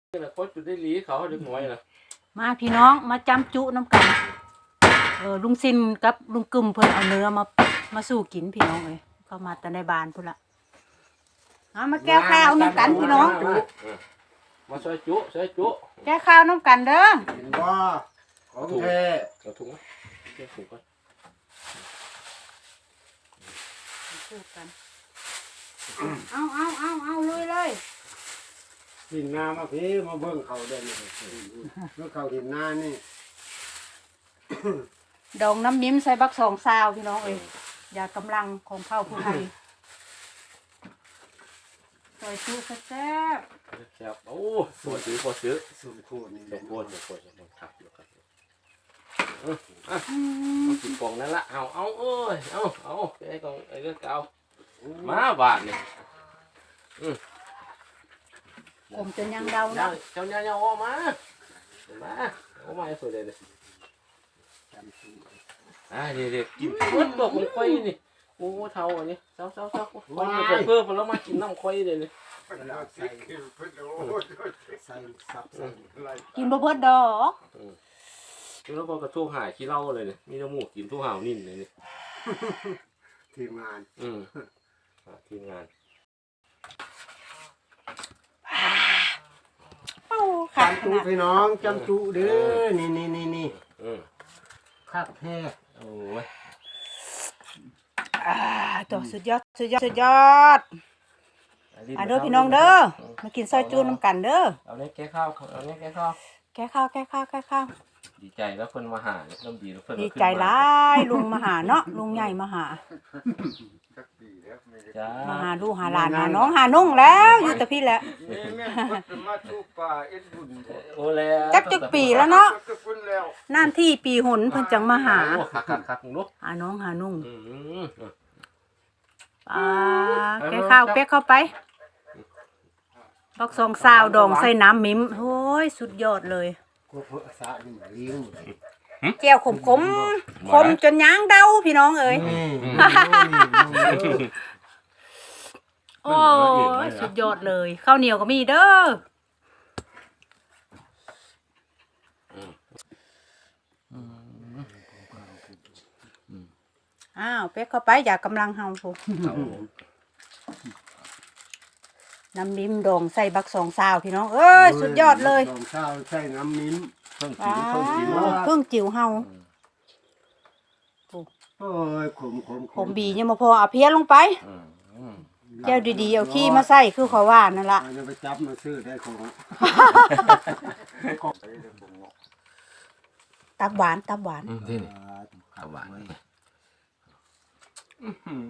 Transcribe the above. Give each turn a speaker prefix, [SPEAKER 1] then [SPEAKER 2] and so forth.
[SPEAKER 1] นี่แหละคนจุดได้หลีเขาเด็กน้อยนะ
[SPEAKER 2] มาพี่น้องมาจำจุน้ำกันลุงซินกับลุงกึมเพิ่นเอาเนื้อมาสู่กินพี่น้องเลยเข้ามาแต่ในบ้านพุ่นละมาแก้ข้าวน้ำกันพี่น้อง
[SPEAKER 1] มาซอยจุ
[SPEAKER 2] แก้ข้าวน้ำกันเด้อ
[SPEAKER 3] เห็นว่าของแท้
[SPEAKER 1] เอาถุงมาเก็บถุงก่อน
[SPEAKER 2] สู้กันเอาลุยเลย
[SPEAKER 3] หินนามาพี่มาเบิ่งเขาเด่นเมื่อเขาหินนานี่
[SPEAKER 2] ดองน้ำมิ้มใส่บักสองซาวพี่น้องเอ้ยยากำลังของเผ่าผู้ไทยซอยจุแซ่บ
[SPEAKER 1] แซ่บโอ้ปวดซื้อ
[SPEAKER 3] สุ่มคู่นี่
[SPEAKER 1] เดี๋ยวปวดขับอยู่ครับกินกล่องนั่นละเอาเอ้ยเอาไอ้กล่องไอ้เรื่องเก่ามาบาทนี่
[SPEAKER 2] ผมจนยังเดานะ
[SPEAKER 1] เจ้าเนี่ยออกมาสวยเลยเด็กกินเพิ่มตัวของควายนี่โอ้เท่าอันนี้เท่าควายเพิ่มแล้วมากินน้ำควายเลยนี่
[SPEAKER 3] ใส่สับใส่อะไร
[SPEAKER 2] กินบ่เบิดดอก
[SPEAKER 1] แล้วก็กระทู้หายขี้เล่าเลยเนี่ยมีน้ำมูกกินทู้ห่าวนิ่นเลยนี่
[SPEAKER 3] ทีมงาน
[SPEAKER 1] ทีมงาน
[SPEAKER 2] ค่ะ
[SPEAKER 3] จำจุพี่น้องจำจุเด้อนี่คักแท้
[SPEAKER 1] โอ้ย
[SPEAKER 2] ตัวสุดยอดเด้อพี่น้องเด้อมากินซอยจูน้ำกันเด้อ
[SPEAKER 1] เอาเนี่ยแก้ข้าว
[SPEAKER 2] แก้ข้าว
[SPEAKER 1] ดีใจแล้วเพิ่นมาหาเริ่มดีแล้วเพิ่น
[SPEAKER 2] ดีใจหลายลุงมาหาเนาะลุงใหญ่มาหา
[SPEAKER 1] จ้า
[SPEAKER 2] มาหาลูกหาหลานหาน้องหานุ่งแล้วอยู่แต่พี่แหละ
[SPEAKER 3] นี่แม่มาชูป่าเอ็ดบุญ
[SPEAKER 1] โอ้แล้ว
[SPEAKER 2] จักปีแล้วเนาะ
[SPEAKER 3] ก็ฟุ้นแล้ว
[SPEAKER 2] นั่นที่ปีหนเพิ่นจังมาหา
[SPEAKER 1] คักลูก
[SPEAKER 2] หาน้องหานุ่ง
[SPEAKER 1] อืม
[SPEAKER 2] แก้ข้าวเป๊กเข้าไปบักสองซาวดองใส่น้ำมิ้มโอ้ยสุดยอดเลย
[SPEAKER 3] ก็เพื่อสานี่เลี้ยง
[SPEAKER 2] แก้วขมจนย้างเดาพี่น้องเอ้ยโอ้ยสุดยอดเลยข้าวเหนียวก็มีเด้อเป๊กเข้าไปอย่ากำลังเฮาพูน้ำมิ้มดองใส่บักสองซาวพี่น้องเอ้ยสุดยอดเลย
[SPEAKER 3] สองเช้าใส่น้ำมิ้น
[SPEAKER 1] เพิ่งกินเพิ่งกิน
[SPEAKER 2] เพิ่งจิ๋วเฮา
[SPEAKER 3] โอ้ยขม
[SPEAKER 2] บียังมาพอเอาเพี้ยลงไปแก้วดีๆเอาขี้มาใส่คือเขาว่านั่นละ
[SPEAKER 3] จะไปจับมาซื้อได้ของ
[SPEAKER 2] ตับหวาน
[SPEAKER 1] ที่นี่ข้าวหวาน